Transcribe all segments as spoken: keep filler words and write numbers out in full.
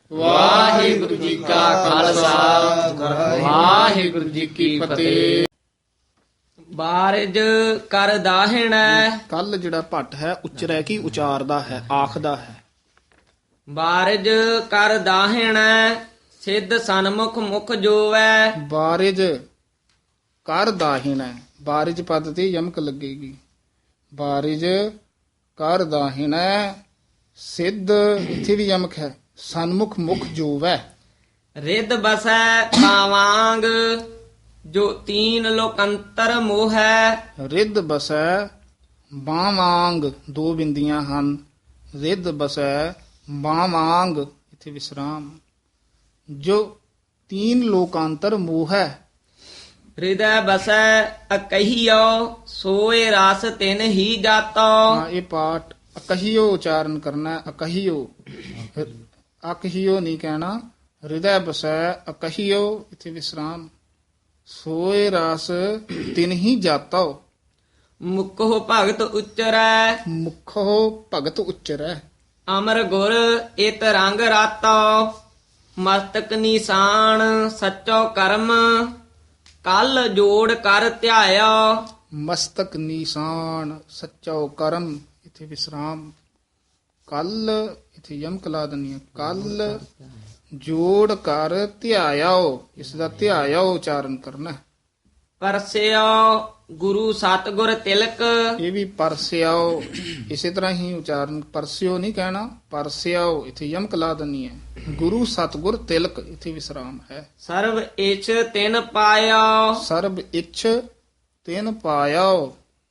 ਵਾਹਿਗੁਰੂ ਜੀ ਕਾ ਖਾਲਸਾ ਵਾਹਿਗੁਰੂ ਜੀ ਕੀ ਫਤਿਹ। ਬਾਰਿਜ ਕਰ ਦਾਹਿਣੈ ਕੱਲ ਜਿਹੜਾ ਭੱਟ ਹੈ ਉਚਰੈ ਕੀ ਉਚਾਰਦਾ ਹੈ, ਆਖਦਾ ਹੈ। ਬਾਰਿਜ ਕਰ ਦਾਹਿਣੈ ਸਿੱਧ ਸਨਮੁਖ ਮੁਖ ਜੋਵੈ। ਬਾਰਿਜ ਕਰ ਦਾਹਿਣੈ, ਬਾਰਿਜ ਪਦ ਤੇ ਯਮਕ ਲੱਗੇਗੀ। ਬਾਰਿਜ ਕਰ ਦਾਹਿਣੈ ਸਿੱਧ, ਇੱਥੇ ਵੀ ਯਮਕ ਹੈ। ਸਨਮੁਖ ਮੁਖ ਜੋਵੈ। ਰਿੱਧ ਬਸੈ ਪਾਵਾਂਗ ਜੋ ਤੀਨ ਲੋਕੰਤਰ ਮੋਹੈ। ਰਿੱਧ ਬਸੈ ਬਾਵਾਂਗ, ਦੋ ਬਿੰਦੀਆਂ ਹਨ। ਰਿੱਧ ਬਸੈ ਬਾਵਾਂਗ, ਇੱਥੇ ਵਿਸਰਾਮ। ਜੋ ਤੀਨ ਲੋਕਾਂਤਰ ਮੋਹ ਹੈ। ਹਿਰਦੈ ਬਸੈ ਅਕਹੀਓ ਸੋਏ ਰਸ ਤਿਨ ਹੀ ਜਾਤੋ। ਹਾਂ, ਇਹ ਪਾਠ ਅਕਹੀਓ ਉਚਾਰਨ ਕਰਨਾ ਹੈ। ਅਕਹੀਓ, ਅਕਹੀਓ ਨਹੀਂ ਕਹਿਣਾ। ਹਿਰਦੈ ਬਸੈ ਅਕਹੀਓ, ਇੱਥੇ ਵਿਸਰਾਮ। ਸੋਏ ਰਸ ਤਿਨ ਹੀ ਜਾਤੋ। ਮੁਕੋ ਭਗਤ ਉਚਰੈ ਮੁਖੋ ਭਗਤ ਉਚਰੈ। ਅਮਰ ਗੁਰ ਇਤ ਰੰਗ ਰਾਤੋ। ਮਸਤਕ ਨਿਸ਼ਾਨ ਸੱਚੋ ਕਰਮ ਕਲ ਜੋੜ ਕਰ ਧਿਆਇਆ। ਮਸਤਕ ਨਿਸ਼ਾਨ ਸੱਚੋ ਕਰਮ, ਇੱਥੇ ਵਿਸਰਾਮ। ਕੱਲ, ਇੱਥੇ ਯਮਕ ਲਾ ਦੇਣੀ ਹੈ। ਕੱਲ ਜੋੜ ਕਰ ਧਿਆਇਓ, ਇਸ ਦਾ ਧਿਆਇਓ ਉਚਾਰਨ ਕਰਨਾ ਹੈ। ਪਰਸਿਓ ਗੁਰੂ ਸਤਗੁਰ ਤਿਲਕ। ਇਹ ਵੀ ਪਰਸਿਆਓ, ਇਸੇ ਤਰ੍ਹਾਂ ਹੀ ਉਚਾਰਨ। ਪਰਸਿਓ ਨਹੀਂ ਕਹਿਣਾ, ਪਰਸਿਆਓ, ਇੱਥੇ ਯਮਕ ਲਾ ਦੇਣੀ ਹੈ। ਗੁਰੂ ਸਤਗੁਰ ਤਿਲਕ, ਇੱਥੇ ਵਿਸਰਾਮ ਹੈ। ਸਰਬ ਇਛ ਤਿਨ ਪਾਇਆ। ਸਰਬ ਇੱਛ ਤਿਨ ਪਾਇਓ।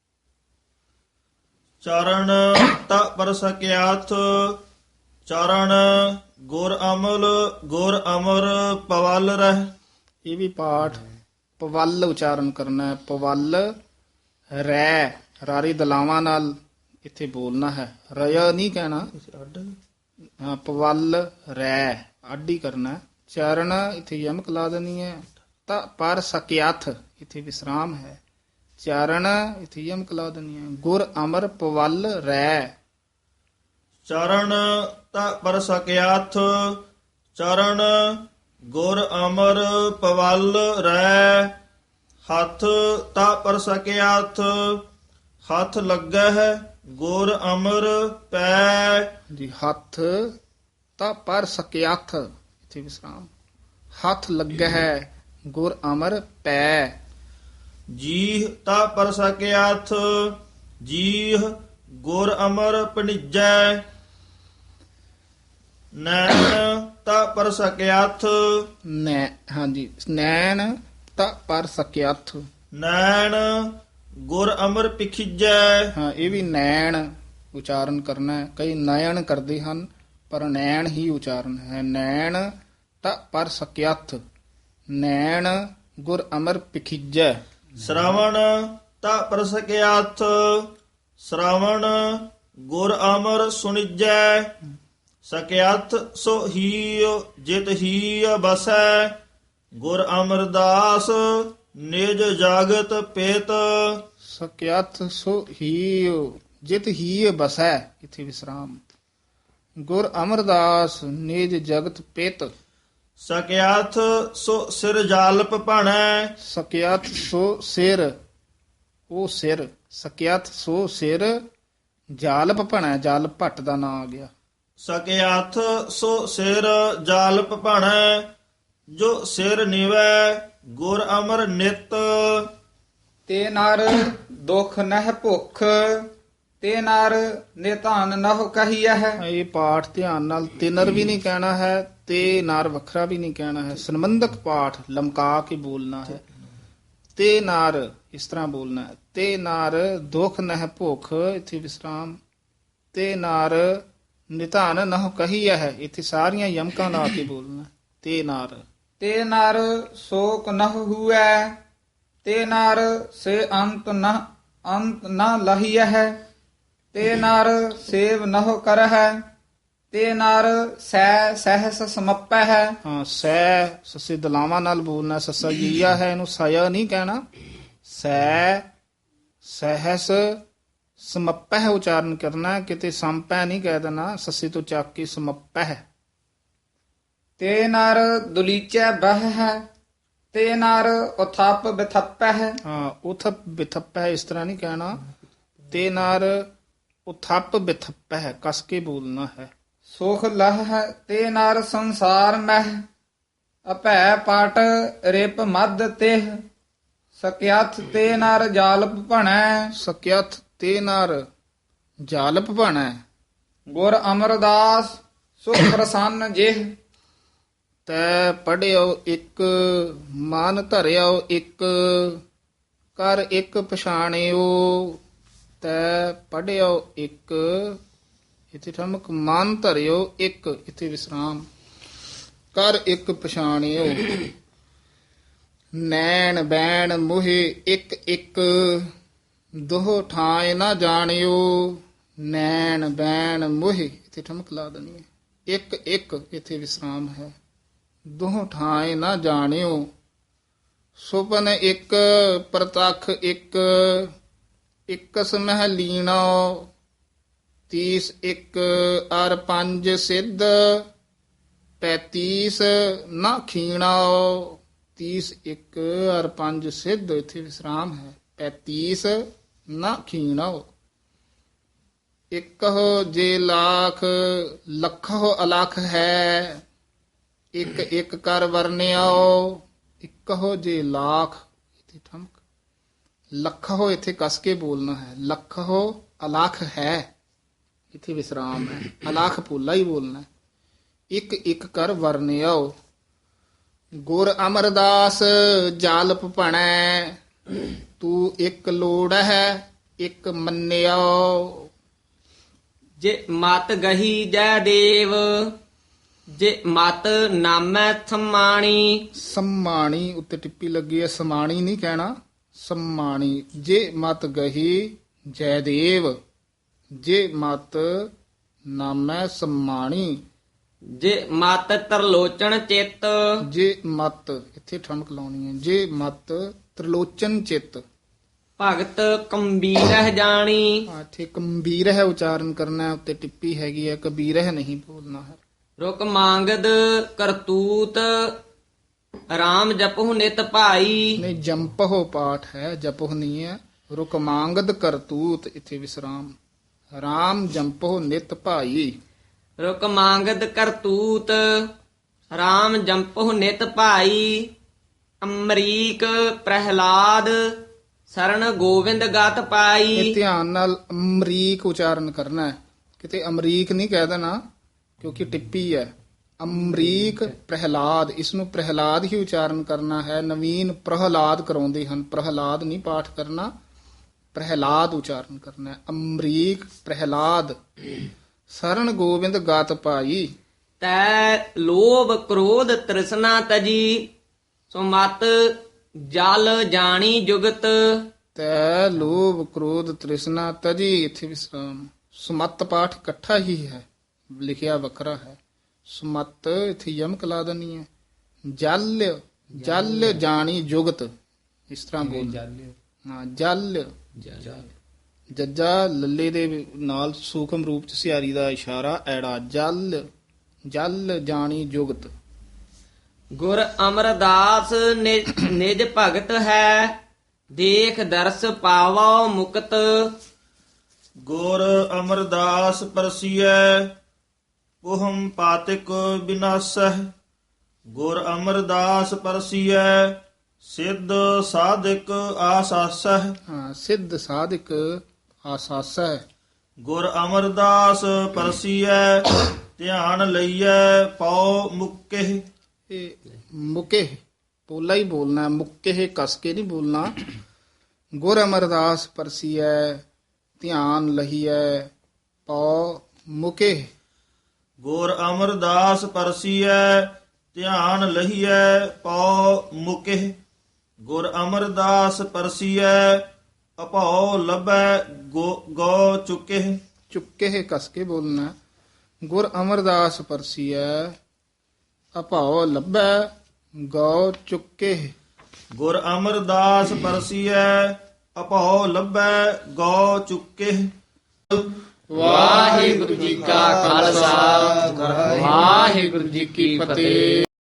ਚਰਨ ਤਾ ਪਰ ਸਕਿਆਥ ਚਰਨ ਗੁਰ ਅਮਲ ਗੁਰ ਅਮਰ ਪਵਲ ਰਹਿ। ਇਹ ਵੀ ਪਾਠ ਪਵਲ ਉਚਾਰਨ ਕਰਨਾ ਹੈ। ਪਵਲ ਰੈ, ਰਾਰੀ ਦਲਾਵਾਂ ਨਾਲ ਇੱਥੇ ਬੋਲਣਾ ਹੈ। ਰਯ ਨਹੀਂ ਕਹਿਣਾ। ਹਾਂ, ਪਵਲ ਰੈ ਆਡੀ ਕਰਨਾ ਹੈ। ਚਰਨ, ਇੱਥੇ ਯਮਕ ਲਾ ਦੇਣੀ ਹੈ। ਤਾਂ ਪਰ ਸਕਿਆਥ, ਇੱਥੇ ਵਿਸਰਾਮ ਹੈ। ਚਰਨ, ਇੱਥੇ ਯਮਕ ਲਾ ਦੇਣੀ ਹੈ। ਗੁਰ ਅਮਰ ਪਵਲ ਰੈ। ਚਰਨ ਤਾ ਪਰ ਸਕਿਆਥ ਚਰਨ ਗੁਰ ਅਮਰ ਪਵਲ ਰਹਿ। ਹੱਥ ਤਾ ਪਰ ਸਕਿਆਥ ਹੱਥ ਲੱਗੈ ਹੈ ਗੁਰ ਅਮਰ ਪੈ। ਜੀ, ਹੱਥ ਤਾਂ ਪਰ ਸਕਿਆਥ, ਇੱਥੇ ਵਿਸਰਾਮ। ਹੱਥ ਲੱਗਾ ਹੈ ਗੁਰ ਅਮਰ ਪੈ। ਜੀਹ ਤਾ ਪਰ ਸਕਿਆਥ ਜੀਹ ਗੁਰ ਅਮਰ ਪਣੀਜੈ। ਨੈਣ ਤਾ ਪਰ ਸਕਿਆਥ ਨੈ, ਹਾਂਜੀ, ਨੈਣ ਤਾਂ ਪਰ ਸਕਿਆਥ। ਨੈਣ ਗੁਰ ਅਮਰ ਪਿਖਿਜੈ। ਹਾਂ, ਇਹ ਵੀ ਨੈਣ ਉਚਾਰਨ ਕਰਨਾ ਹੈ। ਕਈ ਨੈਣ ਕਰਦੇ ਹਨ, ਪਰ ਨੈਣ ਹੀ ਉਚਾਰਨ ਹੈ। ਨੈਣ ਤਾਂ ਪਰ ਸਕਿਆਥ। ਨੈਣ ਗੁਰ ਅਮਰ ਪਿਖਿਜੈ। ਸ਼੍ਰਵਣ ਤਾ ਪਰ ਸਕਿਆਥ ਸ਼੍ਰਵਣ ਗੁਰ ਅਮਰ ਸੁਣਿਜੈ। ਸਕਿਆਥ ਸੋ ਹੀ ਜਿਤ ਹੀ ਬਸੈ ਗੁਰ ਅਮਰਦਾਸ ਨਿਜ ਜਾਗਤ ਪੇਤ। ਸਕਿਆਥ ਸੋ ਹੀ ਜਿਤ ਹੀ ਬਸੈ, ਇੱਥੇ ਵਿਸਰਾਮ। ਗੁਰ ਅਮਰਦਾਸ ਨਿਜ ਜਗਤ ਪਿਤ। ਸਕਿਆਥ ਸੋ ਸਿਰ ਜਾਲਪ ਭਣੈ। ਸਕਿਆਥ ਸੋ ਸਿਰ, ਉਹ ਸਿਰ। ਸਕਿਆਥ ਸੋ ਸਿਰ ਜਾਲਪ ਭਣੈ, ਜਾਲਪ ਭੱਟ ਦਾ ਨਾਂ ਆ ਗਿਆ। ਸਕਿਆਥ ਸੋ ਸਿਰ ਜਾਲਪ ਭਣੈ ਜੋ ਸਿਰ ਨਿਵੈ ਗੁਰ ਅਮਰ ਨਿਤ। ਤੇ ਨਰ ਦੁਖ ਨਹਿ ਭੁਖ ਤੇ ਨਰ ਨਿਧਾਨ ਨਹੁ ਕਹੀਐ। ਇਹ ਪਾਠ ਧਿਆਨ ਨਾਲ ਤਿਨਰ ਵੀ ਨਹੀਂ ਕਹਿਣਾ ਹੈ, ਤੇ ਨਾਰ ਵੱਖਰਾ ਵੀ ਨਹੀਂ ਕਹਿਣਾ ਹੈ। ਸੰਬੰਧਕ ਪਾਠ ਲਮਕਾ ਕੇ ਬੋਲਣਾ ਹੈ। ਤੇ ਨਾਰ ਇਸ ਤਰ੍ਹਾਂ ਬੋਲਣਾ ਹੈ। ਤੇ ਨਾਰ ਦੁਖ ਨਹਿ ਭੁਖ, ਇੱਥੇ ਵਿਸਰਾਮ। ਤੇ ਨਾਰ ਨਿਧਾਨ ਨਹੁ ਕਹੀਐ ਹੈ, ਇੱਥੇ ਸਾਰੀਆਂ ਯਮਕਾਂ ਲਾ ਕੇ ਬੋਲਣਾ। ਤੇ ਨਾਰ ਤੇ ਨਰ ਸ਼ੋਕ ਨਹੁ ਹੂਐ ਤੇ ਨਰ ਸੇ ਅੰਤ ਨ ਅੰਤ ਨ ਲਹੀਐ। ਤੇ ਨਰ ਸੇਵ ਨਹੁ ਕਰਹਿ ਤੇ ਨਰ ਸੈ ਸਹਿਸ ਸਮੱਪੈ ਹੈ। ਹਾਂ, ਸੈ ਸੱਸੇ ਦਲਾਵਾਂ ਨਾਲ ਬੋਲਣਾ। ਸੱਸਾ ਜੀਆ ਹੈ, ਇਹਨੂੰ ਸਾਇਆ ਨਹੀਂ ਕਹਿਣਾ। ਸੈ ਸਹਿਸ ਸਮੱਪੈ ਉਚਾਰਨ ਕਰਨਾ, ਕਿਤੇ ਸੰਪੈ ਨਹੀਂ ਕਹਿ ਦੇਣਾ। ਸੱਸੇ ਤੋਂ ਚੱਕ ਕੇ ਸਮੱਪੈ। ਤੇ ਨਰ ਦੁਲੀਚੈ ਬਹਿ ਹੈ ਤੇ ਨਰ ਉਥਪ ਬਿਥਪੈ ਹੈ। ਹਾਂ ਉਥਪ ਬਿਥਪ ਹੈ ਇਸ ਤਰ੍ਹਾਂ ਨਹੀਂ ਕਹਿਣਾ। ਤੇ ਨਰ ਉਥਪ ਬਿਥਪ ਹੈ ਕਸ ਕੇ ਬੋਲਣਾ ਹੈ। ਸੁਖ ਲਹ ਹੈ ਤੇ ਨਰ ਸੰਸਾਰ ਮਹਿ ਅਭੈ ਪਾਟ ਰਿਪ ਮਦ ਤਿਹ ਸਕਿਆਥ ਤੇ ਨਰ ਜਾਲਪ ਭਣੈ ਸਕਿਆਥ ਤੇ ਨਰ ਜਾਲਪ ਭਾਣੈ ਗੁਰ ਅਮਰਦਾਸ ਸੁਖ ਪ੍ਰਸੰਨ ਜਿਹ ਤੈ ਪੜਿਓ ਇੱਕ ਮਨ ਧਰਿਓ ਇੱਕ ਕਰ ਇੱਕ ਪਛਾਣਿਓ। ਤੈ ਪੜਿਓ ਇੱਕ ਇਥੇ ਠਮਕ ਮਨ ਧਰਿਓ ਇੱਕ ਇਥੇ ਵਿਸਰਾਮ ਕਰ ਇੱਕ ਪਛਾਣਿਓ। ਨੈਣ ਬੈਣ ਮੋਹਿ ਇੱਕ ਇੱਕ ਦੋਹ ਠਾਏ ਨਾ ਜਾਣਿਓ। ਨੈਣ ਬੈਣ ਮੋਹਿ ਇਥੇ ਠਮਕ ਲਾ ਦੇਣੀ ਹੈ। ਇੱਕ ਇੱਕ ਇਥੇ ਵਿਸਰਾਮ ਹੈ। ਦੋਹ ਠਾਏ ਨਾ ਜਾਣਿਓ। ਸੁਪਨ ਇੱਕ ਪ੍ਰਤੱਖ ਇੱਕ ਇਕਸ ਮਹਿ ਲੀਣੋ। ਤੀਸ ਇੱਕ ਅਰ ਪੰਜ ਸਿੱਧ ਪੈਂਤੀਸ ਨਾ ਖੀਣੋ। ਤੀਸ ਇੱਕ ਅਰ ਪੰਜ ਸਿੱਧ ਇਥੇ ਵਿਸਰਾਮ ਹੈ। ਪੈਂਤੀਸ ਨਾ ਖੀਣੋ। ਇਕਹੁ ਜੇ ਲਾਖ ਲੱਖਹੁ ਅਲਖ ਹੈ। ਇੱਕ ਇੱਕ ਕਰ ਵਰਨਿਓ। ਇਕਹੁ ਜੇ ਲਾਖ ਇਥੇ ਠਮਕ ਲੱਖਹੁ ਇਥੇ ਕਸ ਕੇ ਬੋਲਣਾ ਹੈ। ਲੱਖਹੁ ਅਲਖ ਹੈ ਇਥੇ ਵਿਸਰਾਮ ਹੈ। ਅਲਖ ਪੋਲਾ ਹੀ ਬੋਲਣਾ। ਇੱਕ ਇੱਕ ਕਰ ਵਰਨਿਓ। ਗੁਰ ਅਮਰਦਾਸ ਜਾਲਪ ਭਣੈ ਤੂੰ ਇੱਕ ਲੋੜ ਹੈ ਇੱਕ ਮੰਨਿਓ। ਜੇ ਮਤ ਗਹੀ ਜੈ ਦੇਵ ਜੇ ਮਤ ਨਾਮੈ ਥਮਾਣੀ। ਸੰਮਾਣੀ ਉੱਤੇ ਟਿੱਪੀ ਲੱਗੀ ਹੈ। ਸਮਾਣੀ ਨਹੀਂ ਕਹਿਣਾ ਸੰਮਾਣੀ। ਜੇ ਮਤ ਗਹੀ ਜੈਦੇਵ ਜੇ ਮਤ ਨਾਮੈ ਸੰਮਾਣੀ। ਜੇ ਮਤ ਤਰਲੋਚਨ ਚਿੱਤ ਜੇ ਮਤ ਇੱਥੇ ਠਮਕ ਲਾਉਣੀ ਹੈ। ਜੇ ਮਤ ਤ੍ਰਿਲੋਚਨ ਚਿੱਤ ਭਗਤ ਕੰਬੀਰਹਿ ਜਾਣੀ। ਹਾਂ, ਇੱਥੇ ਕੰਬੀਰ ਹੈ ਉਚਾਰਨ ਕਰਨਾ ਹੈ। ਉੱਤੇ ਟਿੱਪੀ ਹੈਗੀ ਹੈ ਕਬੀਰ ਹੈ ਨਹੀਂ ਬੋਲਣਾ ਹੈ। ਰੁਕ ਮੰਗਦ ਕਰਤੂਤ ਰਾਮ ਜਪਹੁ ਨਿਤ ਭਾਈ। ਨਹੀਂ ਜੰਪਹੁ ਪਾਠ ਹੈ ਜਪਹੁ ਨਹੀਂ ਹੈ। ਰੁਕ ਮੰਗਦ ਕਰਤੂਤ ਇੱਥੇ ਵਿਸਰਾਮ। ਰਾਮ ਜੰਪਹੁ ਨਿਤ ਭਾਈ। ਰੁਕ ਮੰਗਦ ਕਰਤੂਤ ਰਾਮ ਜੰਪਹੁ ਨਿਤ ਭਾਈ। ਅਮਰੀਕ ਪ੍ਰਹਿਲਾਦ ਸਰਣ ਗੋਵਿੰਦ ਗਤ ਪਾਈ। ਇਹ ਧਿਆਨ ਨਾਲ ਅਮਰੀਕ ਉਚਾਰਨ ਕਰਨਾ ਹੈ। ਕਿਤੇ ਅਮਰੀਕ ਨਹੀਂ ਕਹਿ ਦੇਣਾ ਕਿਉਂਕਿ ਟਿੱਪੀ ਹੈ। ਅਮਰੀਕ ਪ੍ਰਹਿਲਾਦ ਇਸ ਨੂੰ ਪ੍ਰਹਿਲਾਦ ਹੀ ਉਚਾਰਨ ਕਰਨਾ ਹੈ। ਨਵੀਨ ਪ੍ਰਹਿਲਾਦ ਕਰਾਉਂਦੇ ਹਨ। ਪ੍ਰਹਿਲਾਦ ਨਹੀਂ ਪਾਠ ਕਰਨਾ ਪ੍ਰਹਿਲਾਦ ਉਚਾਰਨ ਕਰਨਾ ਹੈ। ਅਮਰੀਕ ਪ੍ਰਹਿਲਾਦ ਸਰਣ ਗੋਬਿੰਦ ਗਤ ਪਾਈ। ਤੈ ਲੋਭ ਕ੍ਰੋਧ ਤ੍ਰਿਸ਼ਨਾ ਤਜੀ ਸੋ ਮਤ ਜਲ ਜਾਣੀ ਜੁਗਤ। ਤੈ ਲੋਭ ਕ੍ਰੋਧ ਤ੍ਰਿਸ਼ਨਾ ਤਜੀ ਇੱਥੇ ਵਿਸਰਾਮ। ਸੁਮਤ ਪਾਠ ਇਕੱਠਾ ਹੀ ਹੈ ਲਿਖਿਆ ਵੱਖਰਾ ਹੈ। ਸੁਮਤ ਇੱਥੇ ਯਮਕ ਲਾ ਦੇਣੀ ਹੈ। ਜਲ ਜਲ ਜਾਣੀ ਜੁਗਤ ਇਸ ਤਰ੍ਹਾਂ ਬੋਲ। ਹਾਂ ਜਲ ਜੱਜਾ ਲੱਲੇ ਦੇ ਨਾਲ ਸੂਖਮ ਰੂਪ ਚ ਸਿਆਰੀ ਦਾ ਇਸ਼ਾਰਾ ਐੜਾ। ਜਲ ਜਲ ਜਾਣੀ ਜੁਗਤ। ਗੁਰ ਅਮਰਦਾਸ ਨਿ- ਨਿਜ ਭਗਤ ਹੈ ਦੇਖ ਦਰਸ ਪਾਵੋ ਮੁਕਤ। ਗੁਰ ਅਮਰਦਾਸ ਪਰਸੀਐ ਪੁਹਮ ਪਾਤਿਕ ਬਿਨਾਸਹਿ। ਗੁਰ ਅਮਰਦਾਸ ਪਰਸੀਐ ਸਿੱਧ ਸਾਧਿਕ ਆਸਾਸਹਿ। ਹਾਂ ਸਿੱਧ ਸਾਧਿਕ ਆਸਾਸੈ। ਗੁਰ ਅਮਰਦਾਸ ਪਰਸੀਐ ਧਿਆਨ ਲਈਐ ਪਉ ਮੁਕੇ। ਇਹ ਮੁਕੇ ਪੋਲਾ ਹੀ ਬੋਲਣਾ ਮੁਕੇ ਕਸ ਕੇ ਨਹੀਂ ਬੋਲਣਾ। ਗੁਰ ਅਮਰਦਾਸ ਪਰਸੀਐ ਧਿਆਨ ਲਹੀਐ ਪਉ ਮੁਕੇ। ਗੁਰ ਅਮਰਦਾਸ ਪਰਸੀਐ ਧਿਆਨ ਲਹੀਐ ਪਉ ਮੁਕੇ। ਗੁਰ ਅਮਰਦਾਸ ਪਰਸੀਐ ਅਭਉ ਲੱਭੈ ਗੋ ਗੋ ਚੁਕੇ। ਚੁੱਕੇ ਕਸ ਕੇ ਬੋਲਣਾ। ਗੁਰ ਅਮਰਦਾਸ ਪਰਸੀਐ ਅਭਉ ਲੱਭੈ ਗਉ ਚੁੱਕੇ। ਗੁਰ ਅਮਰਦਾਸ ਪਰਸੀਐ ਅਭਉ ਲੱਭੈ ਗੋ ਚੁਕੇ। ਵਾਹਿਗੁਰੂ ਜੀ ਕਾ ਖਾਲਸਾ ਵਾਹਿਗੁਰੂ ਜੀ ਕੀ ਫਤਿਹ।